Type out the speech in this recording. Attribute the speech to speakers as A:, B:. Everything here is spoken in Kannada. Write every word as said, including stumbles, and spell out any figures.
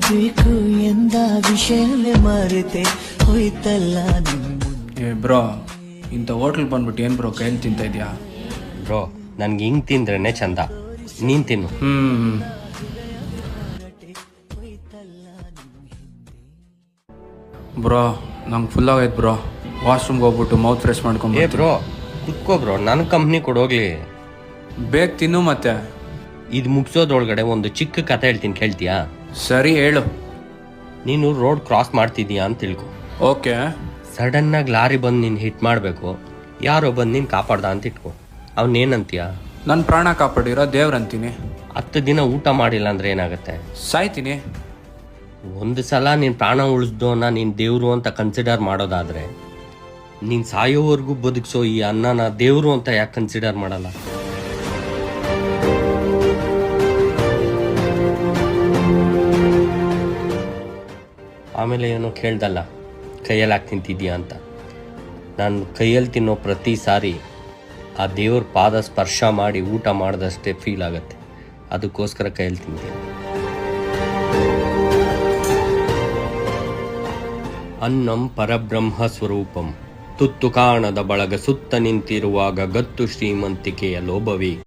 A: ಬೇಕು ಎಂದ ವಿಷಯವೇ ಮರೆತೆ ಹೋಯ್ತಲ್ಲ ನಿಮ್ಮ.
B: ಏ ಬ್ರೋ, ಇಂಥ ಹೋಟ್ಲ್ ಬಂದ್ಬಿಟ್ಟು ಏನು ಬ್ರೋ ಕೈಯಲ್ಲಿ ತಿಂತ ಇದೆಯಾ?
C: ಬ್ರೋ ನನ್ಗೆ ಹಿಂಗೆ ತಿಂದ್ರೇ ಚಂದ, ನೀನು ತಿನ್ನು.
B: ಹ್ಞೂ ಬ್ರೋ, ನಂಗೆ ಫುಲ್ ಆಗೈತೆ ಬ್ರೋ. ವಾಶ್ರೂಮ್ಗೆ ಹೋಗ್ಬಿಟ್ಟು ಮೌತ್ ಫ್ರೆಶ್
C: ಏ
B: ಮಾಡ್ಕೊಂಬ.
C: ಬ್ರೋ ಕುತ್ಕೋ ಬ್ರೋ, ನನ್ನ ಕಂಪ್ನಿ ಕೊಡೋಗ್ಲಿ.
B: ಬೇಗ ತಿನ್ನು ಮತ್ತೆ.
C: ಇದು ಮುಗಿಸೋದ್ರೊಳಗಡೆ ಒಂದು ಚಿಕ್ಕ ಕತೆ ಹೇಳ್ತೀನಿ, ಕೇಳ್ತೀಯಾ?
B: ಸರಿ ಹೇಳು.
C: ನೀನು ರೋಡ್ ಕ್ರಾಸ್ ಮಾಡ್ತಿದ್ದೀಯಾ ಅಂತ ತಿಳ್ಕೊ.
B: ಓಕೆ.
C: ಸಡನ್ನಾಗಿ ಲಾರಿ ಬಂದು ನೀನು ಹಿಟ್ ಮಾಡಬೇಕು, ಯಾರೋ ಬಂದು ನೀನು ಕಾಪಾಡ್ದ ಅಂತ ಇಟ್ಕೊ. ಅವನೇನಂತೀಯ?
B: ನನ್ನ ಪ್ರಾಣ ಕಾಪಾಡಿರೋ ದೇವ್ರಂತೀನಿ.
C: ಹತ್ತು ದಿನ ಊಟ ಮಾಡಿಲ್ಲ ಅಂದರೆ ಏನಾಗುತ್ತೆ?
B: ಸಾಯ್ತೀನಿ.
C: ಒಂದು ಸಲ ನೀನು ಪ್ರಾಣ ಉಳಿಸ್ದೋನ ನೀನು ದೇವರು ಅಂತ ಕನ್ಸಿಡರ್ ಮಾಡೋದಾದರೆ, ನೀನು ಸಾಯೋವರೆಗೂ ಬದುಕಿಸೋ ಈ ಅನ್ನನ ದೇವರು ಅಂತ ಯಾಕೆ ಕನ್ಸಿಡರ್ ಮಾಡಲ್ಲ? ಆಮೇಲೆ ಏನೋ ಕೇಳ್ದಲ್ಲ, ಕೈಯಲ್ಲಿ ಹಾಕಿ ತಿಂತಿದ್ಯಾ ಅಂತ. ನಾನು ಕೈಯಲ್ಲಿ ತಿನ್ನೋ ಪ್ರತಿ ಸಾರಿ ಆ ದೇವ್ರ ಪಾದ ಸ್ಪರ್ಶ ಮಾಡಿ ಊಟ ಮಾಡಿದಷ್ಟೇ ಫೀಲ್ ಆಗುತ್ತೆ. ಅದಕ್ಕೋಸ್ಕರ ಕೈಯಲ್ಲಿ ತಿಂತೀನಿ. ಅನ್ನಂ ಪರಬ್ರಹ್ಮ ಸ್ವರೂಪಂ, ತುತ್ತು ಕಾಣದ ಬಳಗ ಸುತ್ತ ನಿಂತಿರುವಾಗ ಗತ್ತು ಶ್ರೀಮಂತಿಕೆಯ ಲೋಭವಿ.